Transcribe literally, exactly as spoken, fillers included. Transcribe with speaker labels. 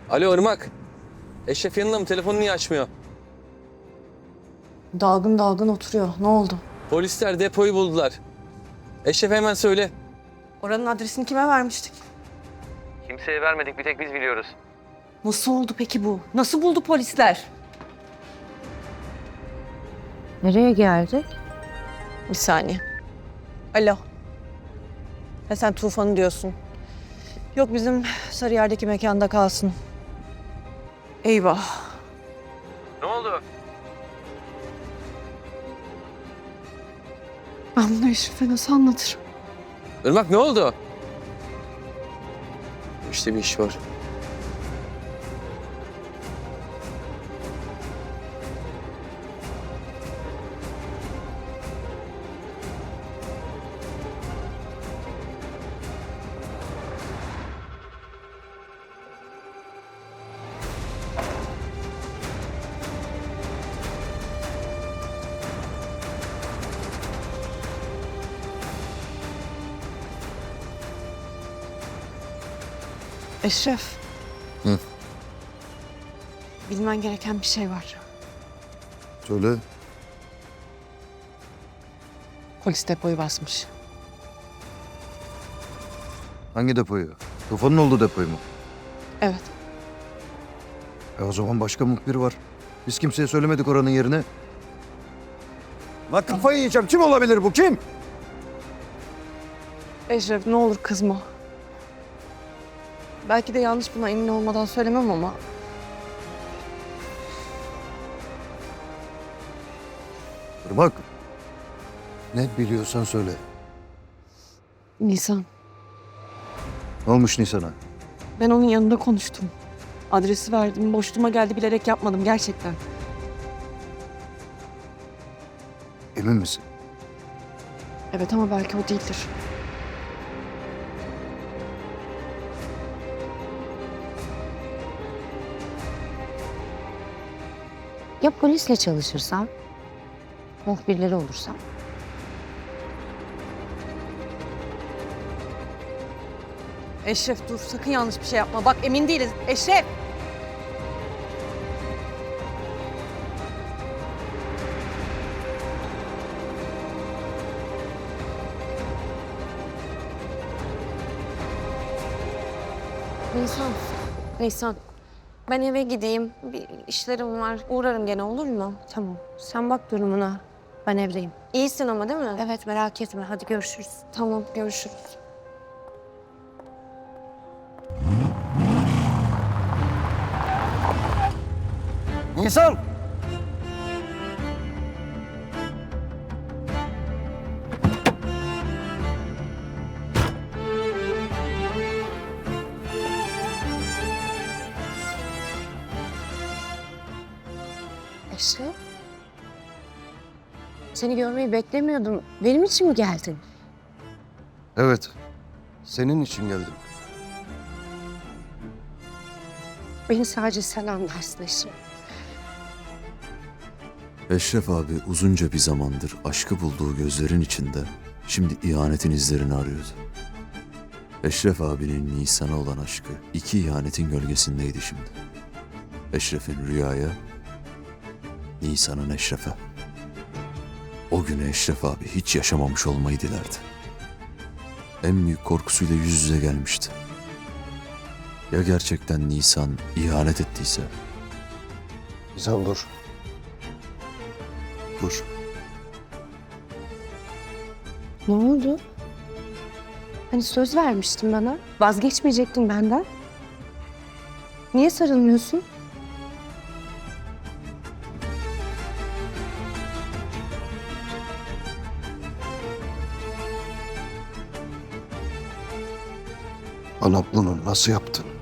Speaker 1: Alo Irmak. Eşref yanında mı? Telefonu niye açmıyor?
Speaker 2: Dalgın dalgın oturuyor. Ne oldu?
Speaker 1: Polisler depoyu buldular. Eşref hemen söyle.
Speaker 2: Oranın adresini kime vermiştik?
Speaker 1: Kimseye vermedik, bir tek biz biliyoruz.
Speaker 2: Nasıl oldu peki bu? Nasıl buldu polisler?
Speaker 3: Nereye geldik?
Speaker 2: Bir saniye. Alo. Ha sen Tufan'ı diyorsun. Yok bizim Sarıyer'deki mekanda kalsın. Eyvah.
Speaker 1: Ne oldu?
Speaker 2: Ben bunu Eşref'e nasıl anlatırım?
Speaker 1: Irmak ne oldu? İşte bir iş var.
Speaker 2: Eşref.
Speaker 4: Hı.
Speaker 2: Bilmen gereken bir şey var.
Speaker 4: Söyle.
Speaker 2: Polis depoyu basmış.
Speaker 4: Hangi depoyu? Tufanın olduğu depoyu mu?
Speaker 2: Evet.
Speaker 4: E o zaman başka muhbir var. Biz kimseye söylemedik oranın yerini. La kafayı yiyeceğim. Kim olabilir bu? Kim?
Speaker 2: Eşref ne olur kızma. Belki de yanlış, buna emin olmadan söylemem ama...
Speaker 4: Irmak. Ne biliyorsan söyle.
Speaker 2: Nisan,
Speaker 4: Ne olmuş Nisan'a?
Speaker 2: ben onun yanında konuştum. Adresi verdim, boşluğuma geldi, bilerek yapmadım gerçekten.
Speaker 4: Emin misin?
Speaker 2: Evet ama belki o değildir.
Speaker 3: Ya polisle çalışırsam? Muhbirleri olursam?
Speaker 2: Eşref dur, sakın yanlış bir şey yapma. Bak emin değiliz. Eşref!
Speaker 3: Nisan, Nisan. Ben eve gideyim. Bir işlerim var. Uğrarım gene, olur mu? Tamam. Sen bak durumuna. Ben evdeyim. İyisin ama değil mi? Evet, merak etme. Hadi görüşürüz. Tamam, görüşürüz.
Speaker 4: Nisan!
Speaker 3: Eşref. Seni görmeyi beklemiyordum. Benim için mi geldin?
Speaker 4: Evet. Senin için geldim.
Speaker 3: Beni sadece sen anlarsın Eşref.
Speaker 5: Eşref abi uzunca bir zamandır aşkı bulduğu gözlerin içinde şimdi ihanetin izlerini arıyordu. Eşref abinin Nisan'a olan aşkı iki ihanetin gölgesindeydi şimdi. Eşref'in Rüya'ya, Nisan'ın Eşref'e. O günü Eşref abi hiç yaşamamış olmayı dilerdi. En büyük korkusuyla yüz yüze gelmişti. Ya gerçekten Nisan ihanet ettiyse?
Speaker 4: Nisan dur. Dur.
Speaker 3: Ne oldu? Hani söz vermiştin bana. Vazgeçmeyecektin benden. Niye sarılmıyorsun?
Speaker 4: Bana bunu nasıl yaptın?